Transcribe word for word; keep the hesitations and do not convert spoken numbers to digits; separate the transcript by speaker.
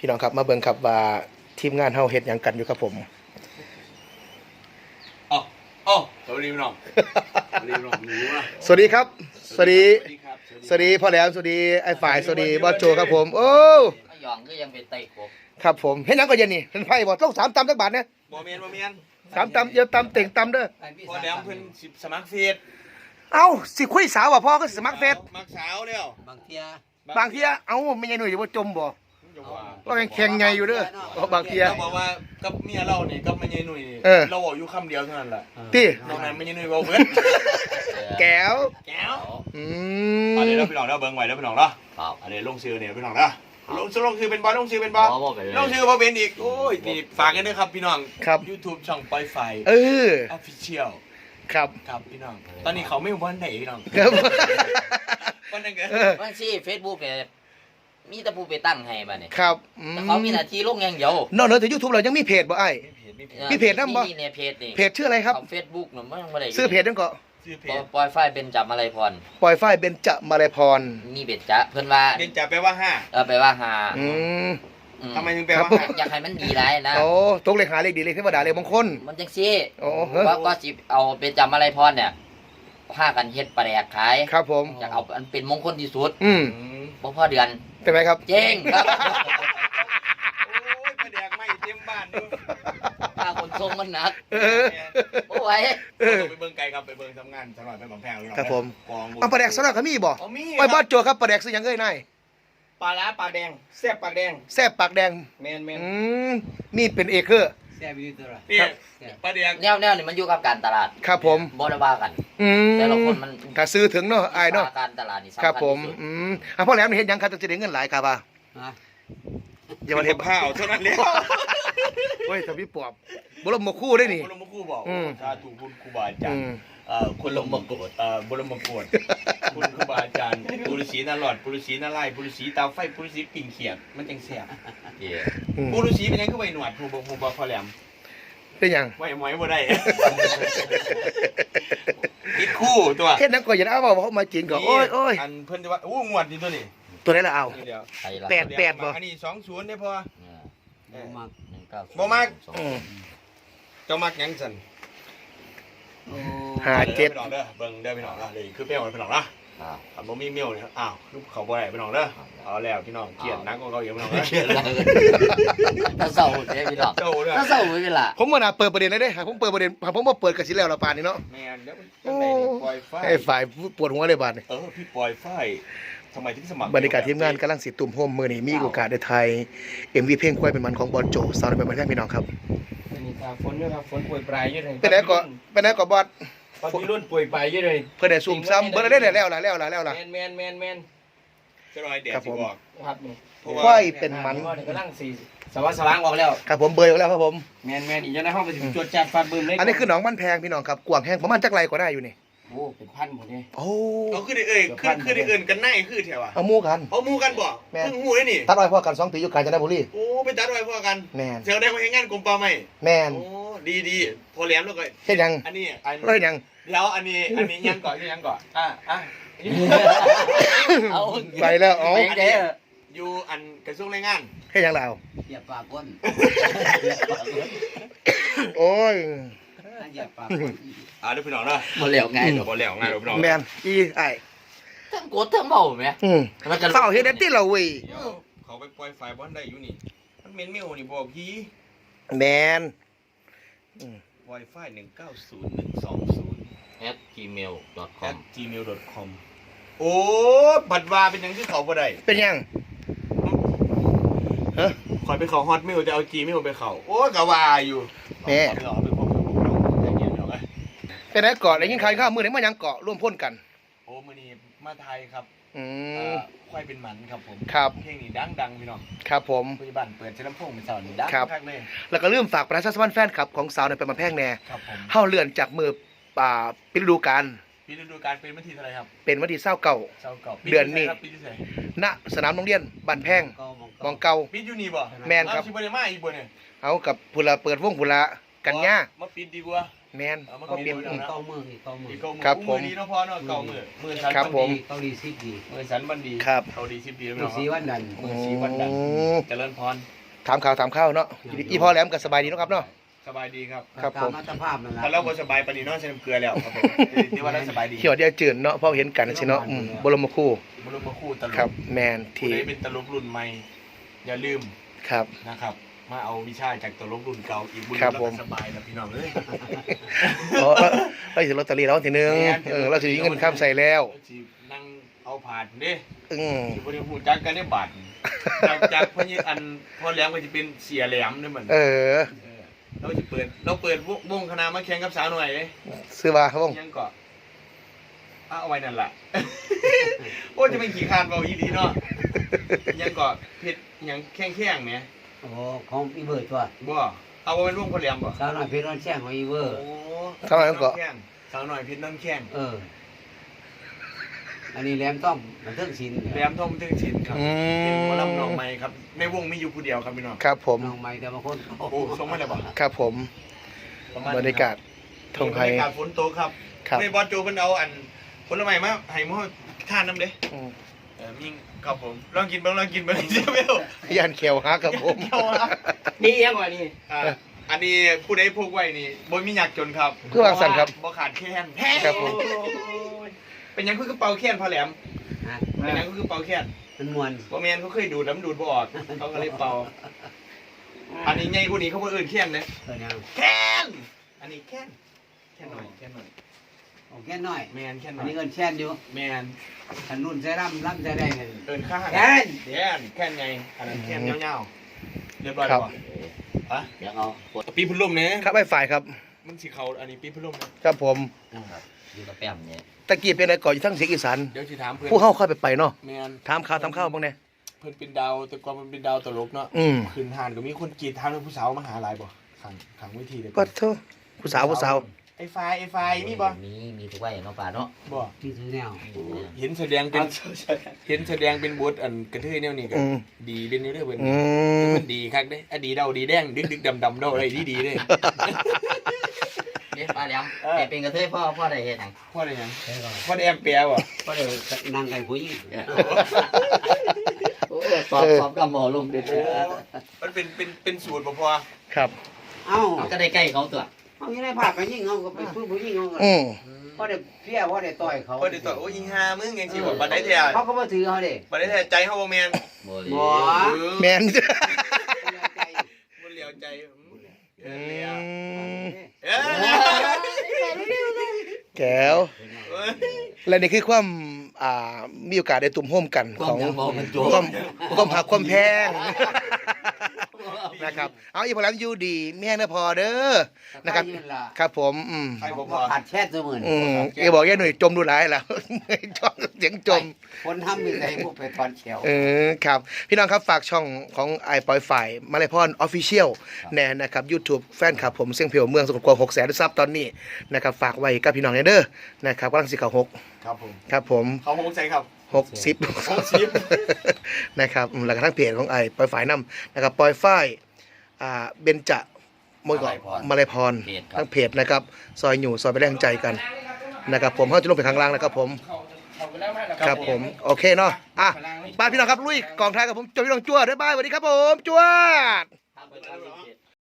Speaker 1: พี่น้องครับมาเบิ่งครับว่าทีมงานเฮาเฮ็ดหยังกันอยู่ครับผม
Speaker 2: อ๋ออ๋อสวัสดีพี่น้องสวัสดีพี่น้องหนูอ่ะ
Speaker 1: สวัสดีครับสวัสดี
Speaker 2: สวัสดีครับ
Speaker 1: สวัสดีพ่อแหลมสวัสดีไอ้ฝ่ายสวัสดีบอสโจครับผมโอ้
Speaker 3: ไอ้หยองก็ยังเป็นไต่กบ
Speaker 1: ครับผมเฮ็ดหยังก็เย็นนี่เพิ่นไผบ่ต้องสามตำจักบาทเนี่ย
Speaker 2: บ่เมียนบ่เมียน
Speaker 1: สามตำเดี๋ยวตำเต่งตำเด้อ
Speaker 2: พอแหลมเพิ่นสิสมัครเฟซ
Speaker 1: เอ้าสิคุยสาวว่าพ่อก็สมัครเฟซ
Speaker 2: มักสาวแล้ว
Speaker 3: บางเทีย
Speaker 1: บางเที่ยเอ้าไม่ใช่หนุ่ยจะบ่จมบ่ก็ยังแข็งใหญ่อยู่เด้อบางเที่ย
Speaker 2: เราบอกว่ากับเมียเรานี่กับแม่ยายหนุ่ยนี่
Speaker 1: เออ
Speaker 2: เราบอกอยู่คำเดียวเท่านั้นแหละ
Speaker 1: ติ
Speaker 2: นอกนั้นแม่ยายหนุ่ยเว้าเบิด
Speaker 1: แก้ว
Speaker 2: แก้ว
Speaker 1: อื
Speaker 2: อันนี้
Speaker 1: ม
Speaker 2: เราพี่น้องเด้อเบิ่งไว้เด้อพี่น้องเด้อ
Speaker 3: ครับ
Speaker 2: อันนี้ลงชื่อเนี่ยพี่น้องเด้อลงชื่อลงชื่อเป็นบ่ลงชื่อเป็นบ่
Speaker 3: บ่บ่เป็นเลย
Speaker 2: ลงชื่อบ่เป็นอีกโอ้ยนี่ฝากกันด้วยครับพี่น้อง
Speaker 1: ครับ
Speaker 2: YouTube ช่องปล่อยไฟ
Speaker 1: เออ
Speaker 2: Official
Speaker 1: ครับ
Speaker 2: ครับพี่น้อง ตอนนี้เขาไม่วันไหนพี่น้อง
Speaker 1: ครับ
Speaker 2: วันนั้นเกิด
Speaker 1: เออ
Speaker 3: บางทีเฟซบุ๊กเนี่ยมีแต่ผู้ไปตั้งให้บัดนี้
Speaker 1: ครับอื
Speaker 3: แต่เขามีหน้าที่ลงอย่างเดียวน
Speaker 1: อกเหนือจาก YouTube เรายังมีเพจบ่ไอ้ มีเพจนำบ่
Speaker 3: มีในเพจนี่
Speaker 1: เพจชื่ออะไรครับ
Speaker 3: ของเฟซบุ๊กน่ะมันยังบ่ได้
Speaker 1: ชื่อเพจนั่นก็
Speaker 2: ชื่อเพจ
Speaker 3: ปล่อยไฟเป็นจับอะไรพร
Speaker 1: ปล่อยฝ้ายเบญจมาลัยพร
Speaker 3: มีเบ็ดจ๊ะเพิ่นว่า
Speaker 2: เรียนจับแปลว่าห้า
Speaker 3: เออไปว่าหา
Speaker 1: อืม
Speaker 3: อื
Speaker 2: ทำไมถึงแปลว่า
Speaker 1: ครับ
Speaker 2: ห้า
Speaker 3: อยากให้มันดีหลายนะ
Speaker 1: โอ้ตกเลขหาเลขดีเลขเทวดาเลขมงคล
Speaker 3: มันจังซี่
Speaker 1: โอ้เฮ้ย
Speaker 3: ว่าก็สิเอาเป็นจับอะไรพรเนี่ยพากันเฮ็ดปลาแดกขาย
Speaker 1: ครับผม
Speaker 3: อยากเอาอันเป็นมงคลที่สุด
Speaker 1: อืม
Speaker 2: อืม
Speaker 3: บ่พอเดือน
Speaker 1: เป็นไหมครับ
Speaker 3: เจ๊งครับ
Speaker 2: โอ้ยประแดกไม่เต็มบ้านดู
Speaker 3: ค่าขนส่งมันหนัก
Speaker 1: เออ
Speaker 3: บ่ไหว
Speaker 1: เออ
Speaker 2: ไปเบิ่งไกลครับไปเบิ่งทำงานสำหรับเป็นบางแพงพี่น้อง
Speaker 1: ครับผม
Speaker 2: กอง
Speaker 1: เอาปลาแดกสลัดก็มีบ่
Speaker 2: เอามี
Speaker 1: ไอ้บ้านโจครับปลาแดกซื้อหยังเอ้ยนาย
Speaker 2: ปลาล้าปลาแดงแซ่บปลาแดง
Speaker 1: แซ่บปากแดง
Speaker 2: แมนแมน
Speaker 1: อืมมีเป็นเอเคอร์
Speaker 2: แซ่บอยู่ตัวละนี่ปลาแดง
Speaker 3: แนวแนวนี่มันอยู่กับการตลาด
Speaker 1: ครับผม
Speaker 3: บ่ได้ว่ากัน
Speaker 1: อืม
Speaker 3: แต่ละคนมัน
Speaker 1: ถ้าซื้อถึงเนาะไอ้ายเนาะ
Speaker 3: การตลาดนี่สำ
Speaker 1: ครับ
Speaker 3: คัญ
Speaker 1: ผม
Speaker 3: ที่สุด
Speaker 1: อืมอ่ะพ่อแหลมนี่เฮ็ดหยังครับจะได้เงินหลายครับว่าอย่ามาเฮ็ด
Speaker 2: ข้าวเท่านั้นแล้ว
Speaker 1: โอ้ยถ้าพี่ปอบบ่ลมบ่คู่ได้นี่
Speaker 2: คุณลงมาคู่บอก
Speaker 1: อืม
Speaker 2: ชาถูกคุณครูบาอาจาร
Speaker 1: อื
Speaker 2: ย์
Speaker 1: ม
Speaker 2: เอ่อคุณลงมาโกรธเอ่อบรมโกรธคุณครูบาอาจารย์ปุรุษีนาหลอดปุรุษีนาไล่ปุรุษีตาไฟปุรุษีปิ่งเขียดมันจังแซ่บ
Speaker 3: เย้
Speaker 1: อืม
Speaker 2: ปุรุษีเป็นยังคือใบหนวดผู้บ่ผู้บ่พอแหลม
Speaker 1: เป็นหยัง
Speaker 2: ไว้หมอยบ่ได้ คิดคู่ตัว
Speaker 1: เฮ็ดหยังก็อย่าเอาว่าเขามาจีนก็โอ้ยโอ้ย
Speaker 2: อันเพิ่นจะว่าอู้งวดนี่ตัวนี้
Speaker 1: ตัวไหนล่ะเอา
Speaker 2: เดี๋ยว
Speaker 3: ใครล่ะ
Speaker 1: แปด แปบ่
Speaker 2: อันนี้สองศูนย์ได้พอ
Speaker 3: เออบ่มักหนึ่งเก้าศูนย์
Speaker 2: บ่มัก
Speaker 3: สอง
Speaker 1: อืม
Speaker 2: เจ้ามักหยังสั่น
Speaker 1: ห้าเจ็ด
Speaker 2: พี่น้องเด้อเบิ่งเด้อพี่น้องเด้อเลยคือเปรี้ยวพี่น้องเด้อ
Speaker 3: ครับ
Speaker 2: ถ้าบ่มีเมียวเนี่ยอ้าวคือเขาบ่ได้พี่น้องเด้อเอาแล้วพี่น้องเกลียดนักกว่าเขาอีกพี่น้องเด้อ
Speaker 3: เชื่อแล้วถ้าเศร้าเด้พี่น้อง
Speaker 2: เจ้าเด้อ
Speaker 3: ถ้าเศร้าไม่เป็นไร
Speaker 1: ผมว่าน่าเปิดประเด็นได้เด้หากผมเปิดประเด็นหากผมบ่เปิดก็สิแล้วละปานนี้เนาะ
Speaker 2: แม่นเดี๋ยวมันจังได๋นี่ปล่อยไฟ
Speaker 1: ให้ฝ่ายปวดหัวเลยบาดนี้
Speaker 2: เออพี่ปล่อยไฟทำไมถึงสมัคร
Speaker 1: บรรยากาศทีมงานกำลังสิตุ่มโฮมมื้อนี้มีโอกาสได้ถ่าย เอ็ม วี เพลงควายเป็นมันของบอลโจสาวในเป็นมันแท้พี่น้องครับ
Speaker 4: วันนี้ตาฝนด้วยครับฝนป่วยปลายเยอะเลย
Speaker 1: เป็นไหนก็เป็นไหนก็บอส
Speaker 4: ตอนนี้รุ่นป่วยปลายเยอะเลย
Speaker 1: เพิ่นได้ซุ่มซ้ำเบิ่ได้ได้แล้วล่ะแล้วล่ะแล้วล่ะ
Speaker 4: แมนแมนแมนแมน
Speaker 2: จะรอยแดด
Speaker 1: ครับ
Speaker 2: สิ
Speaker 1: ผม
Speaker 2: บอก
Speaker 4: ครับนี่
Speaker 2: เพราะว่า
Speaker 1: ควายเป็นมัน
Speaker 4: กำลังสี่สว่างสว่างออกแล้ว
Speaker 1: ครับผมเบยออกแล้วครับผม
Speaker 4: แมนแมนอีกจะในห้องไปถึงจวดจัดฟาดบึ้มเลย
Speaker 1: อันนี้คือหนองบ้านแพงพี่น้องครับกวางแห้งประมาณจักไรก็ได้อยู่นี่
Speaker 4: โอ้เป็นพันหมดเลย
Speaker 1: โอ้
Speaker 2: เอาคือได้เอ่ยคือคือได้เอื่นกันไหนคือแถวอ่ะ
Speaker 1: เอาหมู่กัน
Speaker 2: เอาหมู่กันบ่
Speaker 1: แม่น
Speaker 2: เพิ่งหมู่ได้นี่
Speaker 1: ตัดอ้อยพ่อกันสองปีอยู่กาญจนบุรี
Speaker 2: โอ้ไปตัดไว้พอกัน
Speaker 1: แม่น
Speaker 2: เสียวได้มาเฮ็ดงานกรมป่าไม้
Speaker 1: แม่น
Speaker 2: โอ้ดีดีพอแหลมแล้วก็
Speaker 1: เฮ็ดหยัง
Speaker 2: อันนี้อัน
Speaker 1: เฮ็ดหยัง
Speaker 2: เดี๋ยวอันนี้อันนี้ยังก่อนยังก่อนอ่ะอ่ะ
Speaker 3: เอา
Speaker 1: ไปแล้วเอา
Speaker 3: ไปเด้อ
Speaker 2: อยู่อันกระทรวงแรงงาน
Speaker 1: เฮ็ดหยังแล้ว
Speaker 3: เหยียบปากก้น
Speaker 1: โอ้ย
Speaker 3: เหยียบปาก
Speaker 2: อ่าเดี๋ยวพี่น้องเนาะ
Speaker 3: มาแล้วไง
Speaker 2: เดี๋ยวพอแล้วง่ายเดี๋ยวพี่น้อง
Speaker 1: แม่นอีไอ้
Speaker 3: ทั้งกดทั้งเบาไหม
Speaker 1: อืม
Speaker 3: มันกัน
Speaker 1: เฝ้าเฮ็ดได้ติเราเว้ย
Speaker 2: เดี๋ยวเขาไปปล่อยไฟบอลได้อยู่นี่มันเมนเมลนี่บอกพี่
Speaker 1: แม่น
Speaker 2: ไวไฟหนึ่งเก้าศูนย์หนึ่งสองศูนย์
Speaker 3: แอด จีเมล ดอท คอ
Speaker 2: at
Speaker 3: ม
Speaker 2: gmail dot com โอ้บัตรวาเป็นยังที่เขาบ่ได้
Speaker 1: เป็นหยังฮะ
Speaker 2: คอยไปเขาฮอตเมลจะเอา Gmail ไปเขาโอ้กะว่าอยู่
Speaker 1: แม่
Speaker 2: เอาไปเอาไปพบกับผมน้องใจเย็นเดี๋ยวไง
Speaker 1: เป็นไหนเกาะได้ยินข่าวข้าวมื้อนี้มาหยังเกาะร่วมพ่นกัน
Speaker 2: โอ้มื้อนี้มาไทยครับ
Speaker 1: อื
Speaker 2: เอ่
Speaker 1: ม
Speaker 2: อควายเป็นหมันครับผม
Speaker 1: ครับ
Speaker 2: เพลงนี้ดังดังๆพี่น้อง
Speaker 1: ครับผม
Speaker 2: ปัจจุบันเปิดเชลำโพงเป็นสาวนี่ดัง
Speaker 1: ครับ
Speaker 2: มากเลย
Speaker 1: แล้วก็ลืมฝากประชาสัมพันธ์แฟนคลับของสาวในเป็นมาแพงแน่
Speaker 2: ครับผม
Speaker 1: เฮาเลื่อนจากมือป่าปิดฤดูกาล
Speaker 2: ปีฤดูกาลเป็นวันที่เท่าไหร่ครับ
Speaker 1: เป็นวันที่เศร้าเก่า
Speaker 2: เช้าเก่า
Speaker 1: เดือนนี้
Speaker 2: ปีที่เท่าไหร่
Speaker 1: ณสนามโรงเรียนบ้านแพงมองเก่า
Speaker 2: ปีอยู่นี่บ่
Speaker 1: แม่นครับ
Speaker 2: เอาชิบะเดมาอีกบ่เนี่ย
Speaker 1: เอากับพุละเปิดวงพุละกันย่า
Speaker 2: มาปิดดีกว่า
Speaker 1: แมน
Speaker 2: เอามา
Speaker 1: เขาเปลี่ยน
Speaker 2: เปลี่ยน
Speaker 5: เก้ามืออีกเก้ามือ
Speaker 2: อีกเก้ามือ
Speaker 1: ครับผม
Speaker 2: มือดีเนาะพ่อเนาะเก้ามือมือสัน
Speaker 1: ครับผม
Speaker 5: เกาหลีสิบดี
Speaker 2: มือสันบันดี
Speaker 1: ครับ
Speaker 2: เกาหลีสิบปีแล้ว
Speaker 5: มือ
Speaker 2: เนาะ
Speaker 5: สีวันดัน
Speaker 2: มือสีวันดัน
Speaker 1: อืม
Speaker 2: เจริญพร
Speaker 1: ถามข่าวถามข้าวเนาะอีพ่อแหลมก็สบายดีเนาะครับเนาะ
Speaker 2: สบายดีครับ
Speaker 1: ครับ
Speaker 5: ตา
Speaker 1: ผม
Speaker 5: มาตรภาพนั่นแหละ
Speaker 2: ถ้าเราบ่สบายปานนี้เนาะใส่น้ำเกลือแล้วครับผมที่ว่าเราสบายดี
Speaker 1: เขียวเดียวจืดเนาะพ่อเห็นกันสิเนาะอืมบรมครู
Speaker 2: บุรุษมาคู่ตล
Speaker 1: ครับ
Speaker 2: ก
Speaker 1: แมน
Speaker 2: ผู้
Speaker 1: ที่
Speaker 2: ใดเป็นตลกรุ่นใหม่อย่าลืม
Speaker 1: ครับ
Speaker 2: นะครับ มาเอาวิชาจากตลกรุ่นเก่าอีกบุญ
Speaker 1: ครับ
Speaker 2: แล้ว
Speaker 1: ผ
Speaker 2: ก็
Speaker 1: ม
Speaker 2: สบายแล้วพี่น้องเอ้ย
Speaker 1: อ๋อเราถือลอตเตอรี่แล้วทีนึงเออเราถือเงินข้ามใส่แล้ว
Speaker 2: สินั่งเอาผ่านเด้
Speaker 1: อืม
Speaker 2: สิบ่ได้ฮู้จักกันได้บาดจากจากพญอันพ่อแหลมก็สิเป็นเสียแหลมเด้อมัน
Speaker 1: เออ
Speaker 2: เออเราสิเปิดเราเปิดวงวงคณะมาแข่งกับสาวหน่อยเด้
Speaker 1: ซื้อมาครับผม
Speaker 2: ยังก็เอาเอาไว้นั่นล่ะ โอ้จะเป็นขี้คร้านเบาอีดีเนาะยังก็เผ็ดยังแข้งแข้งๆแหม
Speaker 5: โอ้ของอีเบิร์ดตัว
Speaker 2: บ่เอาไว้เป็นวงพ่อแหลมบ่
Speaker 5: สาวน้อยเพชรร้อนแช่งของอีเบิร์ด
Speaker 2: โอ้
Speaker 1: ทำไมต้องเกาะ
Speaker 2: แข้งสาวหน่อยเผ็ดน้ำแข้ง
Speaker 5: เออ อันนี้แหลมต้อมมันเทิงศิลป์
Speaker 2: แหลมทองถึงชินครับ
Speaker 1: อื
Speaker 2: เป็นหมอลำน้อง
Speaker 1: ม
Speaker 2: ใหม่ครับในวงมีอยู่ผู้เดียวครับพี่น้อง
Speaker 1: ครับผม
Speaker 5: น้องใหม่แต่บางคน
Speaker 2: โอ้ส่งมาแล้วบ่
Speaker 1: ครับผม
Speaker 2: ประมาณ
Speaker 1: บรรยากาศทงไทย
Speaker 2: บรรยากาศฝนตกครับ
Speaker 1: ครับ
Speaker 2: ในบอสโจเพิ่นเอาอันผลไม้มาให้หม้อทานน้ำเด้
Speaker 1: อืม
Speaker 2: เออมิ่งครับผมลองกินเบิ่งลองกินเบิ่งเสียเบล
Speaker 1: ยันเขียวฮักครับผม
Speaker 4: นี่ยังกว่านี่
Speaker 2: อ่าอันนี้ผู้ใดพกไว้นี่บ่มีอยากจนครับ
Speaker 1: เพื่อวางสันครับ
Speaker 2: บ่ขาดแค้น
Speaker 1: ครับผม
Speaker 2: เป็นหยังคือเป่าแค้นพอแหลม
Speaker 5: ฮะ
Speaker 2: เป็นหยังคือเป่าแค้น
Speaker 5: มันมวน
Speaker 2: บ่แม่นเขาเคยดูดน้ำดูดบ่ออกเขาก็เลยเป่า อันนี้ใหญ่กว่านี้เขาบ่เอิ้นแค้นเด้
Speaker 5: เออยัง
Speaker 2: แค้นอันนี้แค้นแค้นหน่อยแค้นหน่อย
Speaker 5: โอ้แค่น้อย
Speaker 2: แม่นแค้นห
Speaker 5: อั
Speaker 2: น่
Speaker 5: น
Speaker 2: อย
Speaker 5: นี้เงินแช่นอยู่
Speaker 2: แม่น
Speaker 5: อันนุ่นใช้ร่ำร่ำใช้ได้เงิน
Speaker 2: เอิ้นข้าง
Speaker 5: แค้น
Speaker 2: แค้นแค้นไงอันนั้นแค้นยาวๆเรียบร้อย
Speaker 1: ครั
Speaker 2: แล้ว
Speaker 1: บ
Speaker 2: บ่ฮะ
Speaker 3: เดี๋ยวเอากด
Speaker 2: ปีพุ่นลมเนี่ย
Speaker 1: ครับไอ้ฝ่ายครับ
Speaker 2: มันสิเขาอันนี้ปีพุ่นลมนะครับ
Speaker 1: ผม
Speaker 3: อยู่กับแป้มเนี่ย
Speaker 1: ตะกี้เป็นอะไรก่อนอยู่ทั้งเสียงอีสาน
Speaker 2: เดี๋ยวสิถามเพื่อน
Speaker 1: ผู้เข้าค่อยไปไปเนาะ
Speaker 2: แมน
Speaker 1: ถามข่าวถามข้าวบ้างเนี่ย
Speaker 2: เพื่อนเป็นดาวแต่ก่อนมันเป็นดาวตลกเนาะ
Speaker 1: อืม
Speaker 2: คืนทานก็มีคนกรีดทางเรื่องผู้สาวมาหาหลายบ่ขังขังเวทีเลย
Speaker 1: ก็เท่าผู้สาวผู้สาว
Speaker 2: ไอ้ไฟไอ้ไฟมีบ่
Speaker 3: มีมีทุกไว้เนาะป่าเนาะ
Speaker 2: บ่
Speaker 5: ที่ซื้อแนว
Speaker 2: เห็นแสดงเป็นเห็นแสดงเป็นบทอันกระเทยแนวนี้ก็
Speaker 1: อืม
Speaker 2: ดีเป็นอยู่เด้อเพิ่น
Speaker 1: อืม
Speaker 2: มันดีคักเด้อดีเดาดีแดงดึกดึกดำดำเดาอะไรดีดีเด้
Speaker 3: เอ๊ะป้าแหลมเป็นเป็นกระเทยพ่อพ่อได้เฮ็ดหยัง
Speaker 2: พ่อได้หยัง
Speaker 5: ใช่ก่อน
Speaker 2: พ่อได้แอมเปียบ่
Speaker 5: ก็เลยนั่งกันผู้หญิง
Speaker 3: โอ้สอบสอบกับหมอลงเด็ด
Speaker 2: โอ้มันเป็นเป็นเป็นสูตรบ่พอ
Speaker 1: ครับ
Speaker 5: เอ้า
Speaker 3: ก็ได้ใกล้เขาตัว
Speaker 5: เอาอยู่ในภาพไปยิงเขาก็ไปพูดผู้หญิงเขาก็
Speaker 1: อืม
Speaker 5: เพราะได้เพี้ยเพราะได้ต่อยเขา
Speaker 2: พ่อได้ต่อโอ้ยอีห่ามึงจังซี่บ่บัดได้แท้
Speaker 5: เขาก็มาถือเขาเด้
Speaker 2: บัดได้แท้ใจเฮาบ่แม่น
Speaker 3: บ่เลย
Speaker 5: บ่
Speaker 2: เออ
Speaker 1: แมน
Speaker 2: บ่เหลียวใจอืมเอ
Speaker 1: อื
Speaker 2: อเหลียว
Speaker 1: ม
Speaker 2: เอ้ย
Speaker 1: แก้วและนี่คือความอ่ามีโอกาสได้ตุ่มโฮมกัน
Speaker 3: ควา
Speaker 1: ข
Speaker 3: ม
Speaker 1: อง
Speaker 3: ยังบ่มันโจ
Speaker 1: ความความหักความแพงนะครับเอาอีพลังอยู่ดีแม่นะพอเด้อนะครับ ครับผมอืม
Speaker 2: ใครบ่พ
Speaker 5: บ่
Speaker 2: อ
Speaker 5: ขาดแช่เสมอ
Speaker 1: อืมเอบอกแย่หน่อยจมดูหลายแล้ว จมเสียงจม
Speaker 5: คนทำมีใส่พวกไปถอนเขียว
Speaker 1: เออครับ พี่น้องครับฝากช่องของไอปอยฝ่ายมาเลยพรออฟฟิเชียลแน่นะครับ YouTube แฟนคลับผมเสียงเพียวเมืองสกลกวางหกแสนซับตอนนี้นะครับฝากไว้กับพี่น้องเด้อนะครับกำลังสิเขาหก
Speaker 2: ครับผม
Speaker 1: ครับผม
Speaker 2: เขาโฮงใจครับ
Speaker 1: หกสิบ
Speaker 2: หกสิบ
Speaker 1: นะครับอืมแล้วก็ทั้งเพจของไอปอยฝ่ายน้ำนะครับปอยฝ่ายอ่าเบญจมวยเกาะมาเลยพรทั้งเพจนะครับซอยอยู่ซอยไปแรงใจกันนะครับผมเขาจะลงไปข้างล่างนะครับผม ครับผมโอเคเนาะอ่ะไปพี่น้องครับลุยกองท้ายกับผมจบพี่น้องจ้วด้วยบายสวัสดีครับผมจ้ว
Speaker 3: ทำไปตามเพจ